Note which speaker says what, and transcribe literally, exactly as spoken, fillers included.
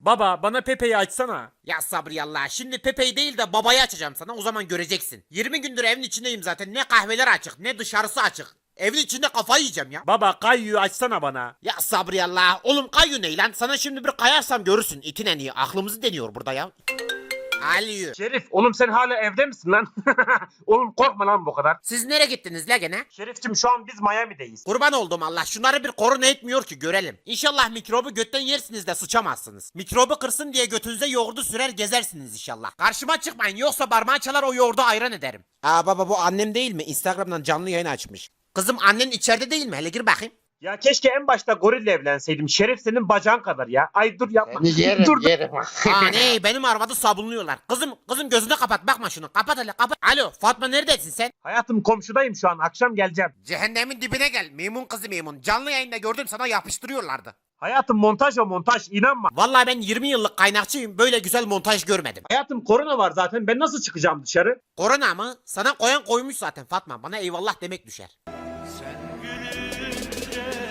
Speaker 1: Baba bana Pepe'yi açsana.
Speaker 2: Ya Sabri Allah, şimdi Pepe'yi değil de babayı açacağım sana, o zaman göreceksin. yirmi gündür evin içindeyim zaten, ne kahveler açık ne dışarısı açık. Evin içinde kafayı yiyeceğim ya.
Speaker 1: Baba Kayyu'yu açsana bana.
Speaker 2: Ya Sabri Allah, oğlum Kayu ne lan? Sana şimdi bir kayarsam görürsün, itin en iyi. Aklımızı deniyor burada ya. Aliyu.
Speaker 3: Şerif oğlum sen hala evde misin lan? Oğlum korkma lan bu kadar.
Speaker 2: Siz nereye gittiniz la gene?
Speaker 3: Şerifçim şu an biz Miami'deyiz.
Speaker 2: Kurban oldum Allah, şunları bir korona etmiyor ki görelim. İnşallah mikrobu götten yersiniz de sıçamazsınız. Mikrobu kırsın diye götünüze yoğurdu sürer gezersiniz inşallah. Karşıma çıkmayın, yoksa parmağı çalar o yoğurdu ayran ederim. Aa baba, bu annem değil mi? Instagram'dan canlı yayın açmış. Kızım, annen içeride değil mi? Hele gir bakayım.
Speaker 3: Ya keşke en başta gorille evlenseydim. Şerif senin bacağın kadar ya. Ay dur yapma.
Speaker 4: Yerim
Speaker 3: dur dur.
Speaker 4: yerim.
Speaker 2: Aa ne, benim arvadı sabunluyorlar. Kızım kızım gözünü kapat, bakma şunu. Kapat hele, kapat. Alo Fatma, neredesin sen?
Speaker 3: Hayatım komşudayım şu an. Akşam geleceğim.
Speaker 2: Cehennemin dibine gel. Memun kızı Memun. Canlı yayında gördüm, sana yapıştırıyorlardı.
Speaker 3: Hayatım montaj o montaj. İnanma.
Speaker 2: Vallahi ben yirmi yıllık kaynakçıyım. Böyle güzel montaj görmedim.
Speaker 3: Hayatım korona var zaten. Ben nasıl çıkacağım dışarı?
Speaker 2: Korona mı? Sana koyan koymuş zaten Fatma. Bana eyvallah demek düşer.
Speaker 5: Sen gülünce